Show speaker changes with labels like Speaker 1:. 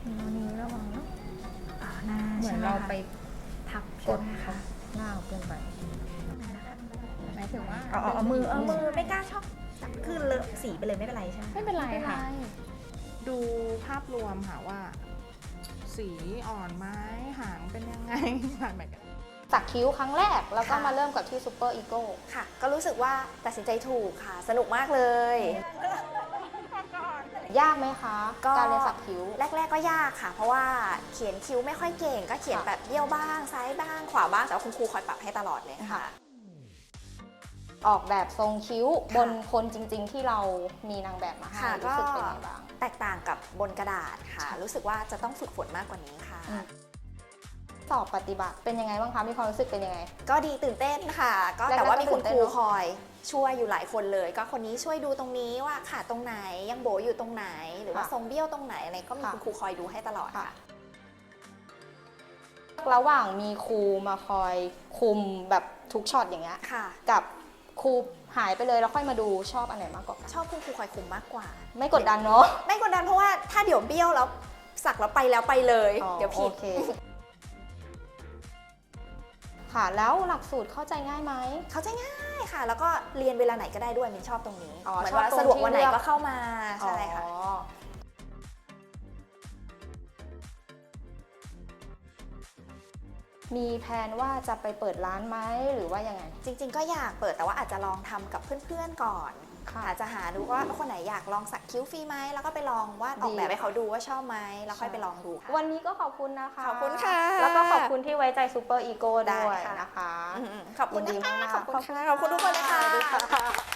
Speaker 1: นิ้วระวังเนาะหน้า
Speaker 2: เหมือนเราไป
Speaker 1: ทับ
Speaker 2: กด
Speaker 1: ค่ะ
Speaker 2: หน้าเกินไปหมายถึงว่า
Speaker 1: เอามือไม่กล้าชอบจับขึ้นเลอะสีไปเลยไม่เป็นไรใช่ไหม
Speaker 2: ไม่เป็นไรค่ะ ดูภาพรวมค่ะว่า สีอ่อนไหมหางเป็นยังไงผ่านไปกัน
Speaker 3: สักคิ้วครั้งแรกแล้วก็มาเริ่มกับที่ซูเปอร์อีโก้
Speaker 1: ค่ะ ก็รู้สึกว่าตัดสินใจถูกค่ะ สนุกมากเลย
Speaker 3: ยากไหมคะ
Speaker 1: ก็
Speaker 3: การเรียนสักคิ้ว
Speaker 1: แรกๆก็ยากค่ะ เพราะว่าเขียนคิ้วไม่ค่อยเก่ง ก็เขียนแบบเบี้ยวบ้างซ้ายบ้างขวาบ้างแต่ว่าคุณครูคอยปรับให้ตลอดเลยค่ะ
Speaker 3: ออกแบบทรงคิ้วบนคนจริงๆที่เรามีนางแบบมาให้
Speaker 1: ค่ะ
Speaker 3: รู้สึกเป็นไงบ้าง
Speaker 1: แตกต่างกับบนกระดาษค่ะ รู้สึกว่าจะต้องฝึกฝนมากกว่านี้ค่ะ
Speaker 3: สอบปฏิบัติเป็นยังไงบ้างคะมีความรู้สึกเป็นยังไง
Speaker 1: ก็ดีตื่นเต้นค่ะ ก็
Speaker 3: แรกๆ
Speaker 1: แต่ว่ามีคุณ
Speaker 3: ก็ตื่นเต้
Speaker 1: คน รู
Speaker 3: เนอะ
Speaker 1: คอยช่วยอยู่หลายคนเลย ก็คนนี้ช่วยดูตรงนี้ว่าขาดตรงไหนยังโบอยู่ตรงไหน หรือว่าทรงเบี้ยวตรงไหนอะไรก็มีคุณครูคอยดูให้ตลอดค่ะ
Speaker 3: ระหว่างมีครูมาคอยคุมแบบทุกช็อตอย่างเงี้ย
Speaker 1: ค่ะ
Speaker 3: กับครูหายไปเลยแล้วค่อยมาดูชอบอันไหนมากกว่ากัน
Speaker 1: ชอบคุณครูคอยคุมมากกว่า
Speaker 3: ไม่กดดันเนาะ
Speaker 1: ไม่กดดันเพราะว่าถ้าเดี๋ยวเบี้ยวแล้วสักแล้วไปเลย เดี๋ยวผิด
Speaker 3: โอเคค่ะแล้วหลักสูตรเข้าใจง่ายไหม
Speaker 1: เขาใจง่ายค่ะ แล้วก็เรียนเวลาไหนก็ได้ด้วยมินชอบตรงนี้
Speaker 3: อ๋อ
Speaker 1: เหมือน
Speaker 3: ชอบ
Speaker 1: ว่า
Speaker 3: ตรง
Speaker 1: สะดวก
Speaker 3: ที่
Speaker 1: วันไหน
Speaker 3: เลือก
Speaker 1: ก็เข้ามาใช่ค่ะ
Speaker 3: อ๋อมีแผนว่าจะไปเปิดร้านไหมหรือว่ายังไง
Speaker 1: จริงๆก็อยากเปิดแต่ว่าอาจจะลองทำกับเพื่อนๆก่อน
Speaker 3: ค่ะ
Speaker 1: อาจจะหาดูว่าคนไหนอยากลองสักคิ้วฟรีไหมแล้วก็ไปลองวาดออกแบบให้เขาดูว่าชอบไหมแล้วค่อยไปลองดูค่ะ
Speaker 3: วันนี้ก็ขอบคุณนะคะ
Speaker 1: ขอบคุณค่ะ
Speaker 3: แล้วก็ขอบคุณที่ไว้ใจซูเปอร์อีโก้
Speaker 1: ได้
Speaker 3: ด้วย
Speaker 1: ค่ะ
Speaker 3: นะคะ
Speaker 1: ขอบคุณ
Speaker 3: ยินดี
Speaker 1: นะคะ
Speaker 3: มากๆ
Speaker 1: ขอบคุณค่ะขอบคุณทุกคนเลยค่ะ
Speaker 3: สวัสดีค่ะ